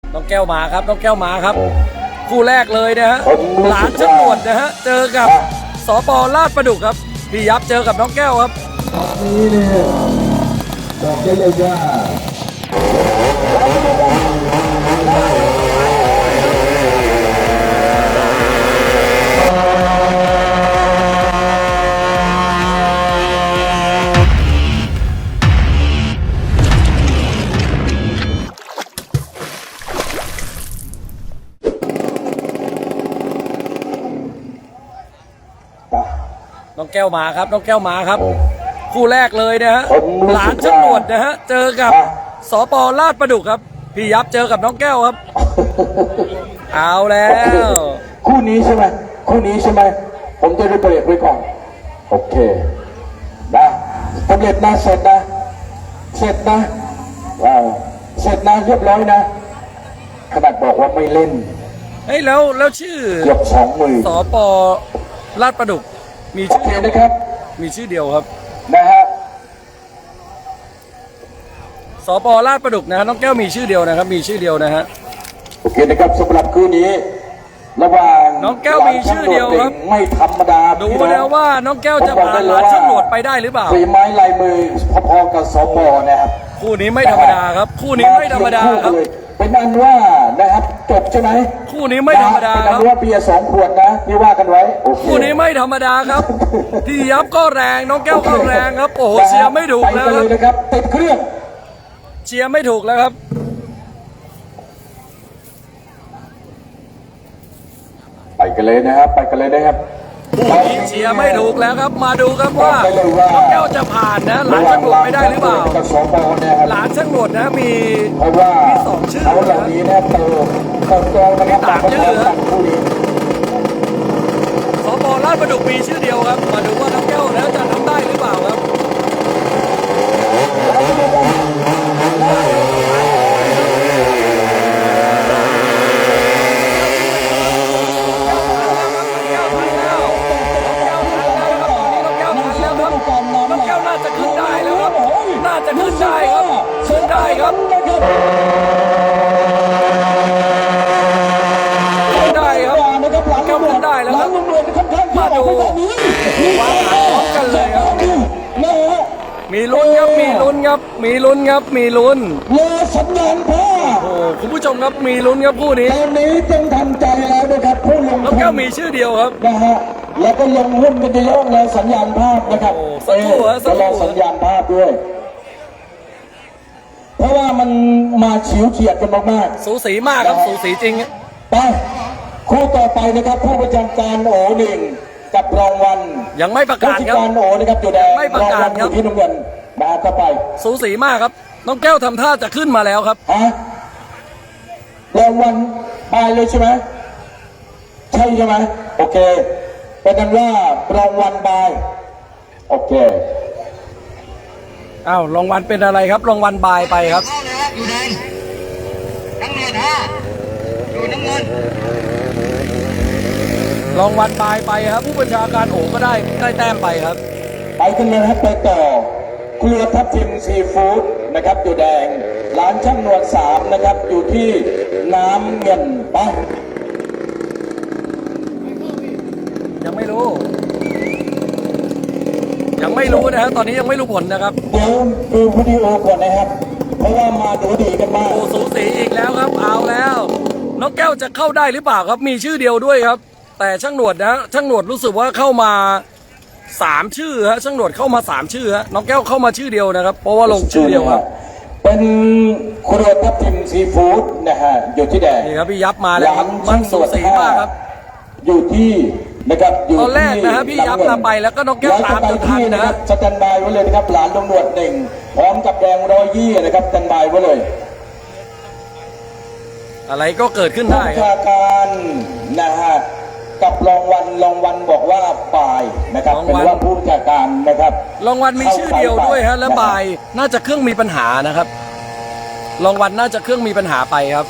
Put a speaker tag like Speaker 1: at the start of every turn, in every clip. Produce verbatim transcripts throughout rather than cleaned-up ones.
Speaker 1: น้องแก้วมาครับน้องแก้วมาครับคู่แรกเลยนะฮะหลานฉนวดนะฮะเจอกับสป.ลาดประดุกครับพี่ยับเจอกับน้องแก้วครับ
Speaker 2: นี่เนี่ยบอกได้เลยว่า
Speaker 1: น้องแก้วมาครับน้องแก้วมาครับคู่แรกเลยนะฮะหลานฉนวดนะฮะเจอกับสป.ลาดประดุกครับพี่ยับเจอกับน้องแก้วครับเอาแล้ว
Speaker 2: คู่นี้ใช่ไหมคู่นี้ใช่ไหมผมจะได้เบรกไว้ก่อนโอเคนะสำเร็จนะเสร็จนะเสร็จนะว้าวเสร็จนะเรียบร้อยนะขนาดบอกว่าไม่เล่น
Speaker 1: เฮ้ยแล้วแล้วชื่อ
Speaker 2: เกือบสองหมื่น
Speaker 1: สป.ลาดประดุกมีชื่อเดียว
Speaker 2: นะครับ
Speaker 1: มีชื่อเดียวครับ
Speaker 2: นะฮะ
Speaker 1: สป.ลาดประดุกนะฮะน้องแก้วมีชื่อเดียวนะครับมีชื่อเดียวนะฮะ
Speaker 2: โอเคนะครับสำหรับคู่นี้ระหว่าง
Speaker 1: น้องแก้วมีชื่อเดียวครับ
Speaker 2: ไม่ธรรมดา
Speaker 1: ดูแล้วว่าน้องแก้วจะผ่านหลานฉนวดไปได้หรือเปล่า
Speaker 2: ฝีไม้ลายมือพอๆกับสป.นะครับ
Speaker 1: คู่นี้ไม่ธรรมดาครับคู่นี้ไม่ธรรมดาครับ
Speaker 2: เป็นอันว่านะครับจบใช่ไหม
Speaker 1: คู่นี้ไม่ธรรมดาครับ
Speaker 2: เป็นอันว่าเบียร์สองขวดนะที่ว่ากันไว้
Speaker 1: คู่นี้ไม่ธรรมดาครับพี่ยับก็แรงน้องแก้วก็แรงครับโอ้โหเชียร์ไม่ถูกแล้ว
Speaker 2: ครับติดเครื่อง
Speaker 1: เชียร์ไม่ถูกแล้วครับ
Speaker 2: ไปกันเลยนะครับไปกันเลยนะครับ
Speaker 1: เชียร์ไม่ถูกแล้วครับมาดูครับว่าน้องแก้วจะผ่านนะหลานช่างหนวดไม่ได้หรือเปล่าหลานช่างหนวดนะมีมีสองชื่อ
Speaker 2: เขาเหล่านี้นะเติมเติมกองนะครับ
Speaker 1: สามชื่อครับสป.ลาดประดุกมีชื่อเดียวครับมาดูว่าน้องแก้วแล้วจะทำได้หรือเปล่าครับน่าจะขึ้นได้แล้วครับน่าจะขึ้นได้ครับขึ้นได้ครับขึ้นได้ครับแก้วขึ้นได้แล้วครับมาดูวางหางพร้อมกันเลยครับมีลุ้นครับมีลุ้นครับมีลุ้นครับมีลุ้น
Speaker 2: รอสัญญาณพ่อ
Speaker 1: โอ้คุณผู้ชมครับมีลุ้นครับคู่นี้
Speaker 2: ตอนนี้ต้องทำใจแล้วนะครับผู้ลง
Speaker 1: แล้วแก้วมีชื่อเดียวครับ
Speaker 2: นะฮะแล้วก็ลงหุ้นกันเยอะเลยสัญญาณภาพนะครับ
Speaker 1: สักครู่ฮะสักครู่
Speaker 2: สัญญาณภาพด้วยเพราะว่ามันมาฉิวเฉียดกันมาก
Speaker 1: ๆสูสีมากครับสูสีจริง
Speaker 2: ไปคู่ต่อไปนะครับผู้ประจำการโอหนึ่งกับรางวัล
Speaker 1: ยังไม่ประกาศครับ
Speaker 2: การโอนะครับจุดแดง
Speaker 1: ไม่ประกาศครับ
Speaker 2: ที่น้ำเงินมาเข้าไป
Speaker 1: สูสีมากครับน้องแก้วทำท่าจะขึ้นมาแล้วครับ
Speaker 2: ฮะรางวัลไปเลยใช่ไหมใช่ใช่ไหมโอเคเป็นนั้นว่ารางวัลบายโอเค
Speaker 1: อ้าวรางวัลเป็นอะไรครับรางวัลบายไปครับ
Speaker 3: อยู่แดงน้ำเงินฮะอยู่น้ำเงิน
Speaker 1: รางวัลบายไปครับผู้บัญชาการโอ๋ก็ได้ได้แต้มไปครับ
Speaker 2: ไปกันเลยครับไปต่อเครือทับทิมซีฟู้ดนะครับอยู่แดงร้านช่างนวลสามนะครับอยู่ที่น้ำเงินไป
Speaker 1: ยังไม่รู้ยังไม่รู้นะครับตอนนี้ยังไม่รู้ผลนะครับ
Speaker 2: เดี๋ยวดูวิดีโอก่อนนะครับเพราะว่ามาดูดีกันมาก
Speaker 1: โอ้สูสีอีกแล้วครับเอาแล้วน้องแก้วจะเข้าได้หรือเปล่าครับมีชื่อเดียวด้วยครับแต่ช่างหนวดนะช่างหนวดรู้สึกว่าเข้ามาสามชื่อฮะช่างหนวดเข้ามาสามชื่อฮะน้องแก้วเข้ามาชื่อเดียวนะครับเพราะว่าลงชื่อเดียวครับ
Speaker 2: เป็นครัวทับทิมซีฟู้ดนะฮะอยู่ที่แดง
Speaker 1: นี่ครับพี่ยับมาแล้วครับมันสูสีมากครับ
Speaker 2: อยู่ที่นะครับ
Speaker 1: ตอนแรกนะฮะพี่ยับนำไปแล้วก็น้องแก้วตามจนทันนะฮะ
Speaker 2: สแตนบายไว้เลยนะครับหลานลงหนวดหนึ่งพร้อมกับแดงร้อยยี่นะครับสแตนบายไว้เลย
Speaker 1: อะไรก็เกิดขึ้นได้
Speaker 2: ครับการนะฮะกับรางวัลรางวัลบอกว่าบ่ายนะครับเป็นว่าผู้จัดการนะครับ
Speaker 1: รางวัลมีชื่อเดียวด้วยฮะและบ่ายน่าจะเครื่องมีปัญหานะครับรางวัลน่าจะเครื่องมีปัญหาไปครับ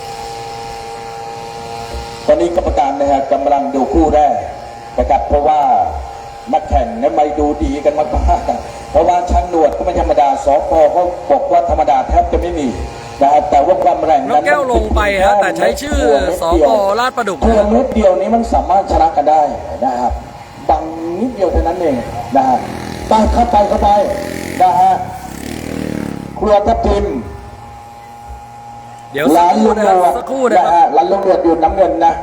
Speaker 2: ตอนนี้กรรมการนะฮะกำลังดูคู่แรกนะครับเพราะว่านักแข่งนั้นไม่ดูดีกันมากๆเพราะว่าช่างหนวดก็ไม่ธรรมดาสปเขาบอกว่าธรรมดาแทบจะไม่มีนะครับแต่ว่าความแรง
Speaker 1: นกแก้วลงไปฮะแต่ใช้ชื่อสกลาดประดุก
Speaker 2: เพียงนิดเดียวนี้มันสามารถชนะกันได้นะครับบังนิดเดียวเท่านั้นเองนะฮะตามเข้าไปเข้าไปนะฮะครัวทับทิม
Speaker 1: เดี๋ยวสัก
Speaker 2: ร้าน
Speaker 1: ครู่
Speaker 2: ลุง
Speaker 1: นะ
Speaker 2: ห
Speaker 1: คน
Speaker 2: ว
Speaker 1: รับ
Speaker 2: ด
Speaker 1: สักครู่นะ
Speaker 2: นะครับ ฮะร้านลุงหนวดอยู่น้ำเงินนะ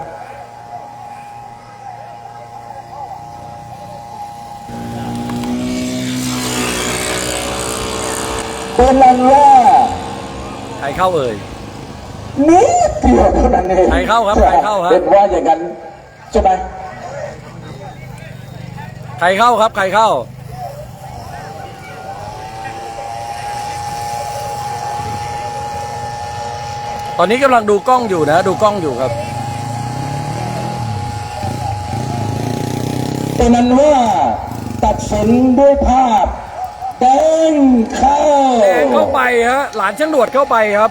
Speaker 2: เป็นนั้นว่า
Speaker 1: ใครเข้าเอ่ย
Speaker 2: นิดเดียวเท่านั้นเอง
Speaker 1: ใครเข้าครับใครเข้าครับ
Speaker 2: เป็นว่าอย่างนั้นใช่ไหม
Speaker 1: ใครเข้าครับใครเข้า ตอนนี้กำลังดูกล้องอยู่นะ ดูกล้องอยู่ครับ
Speaker 2: เป็นนั้นว่าตัดสินด้วยภาพแดงเข้า
Speaker 1: แดงเข้าไปฮะหลานช่างดวดเข้าไปครับ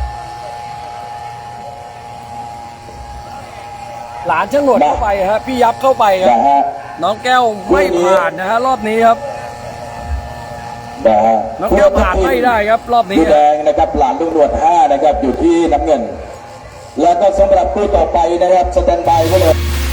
Speaker 1: หลานช่างดวดเข้าไปฮะพี่ยับเข้าไปครับ
Speaker 2: นะฮะ
Speaker 1: น้องแก้วไม่ผ่านนะฮะรอบนี้ครับ
Speaker 2: นะฮะ
Speaker 1: น้องแก้วผ่านไม่ได้ครับ รอบนี้
Speaker 2: ผู้แดงนะครับหลานลุงหนวดห้านะครับอยู่ที่น้ำเงิน แล้วก็สำหรับผู้ต่อไปนะครับสแตนบายไว้เลย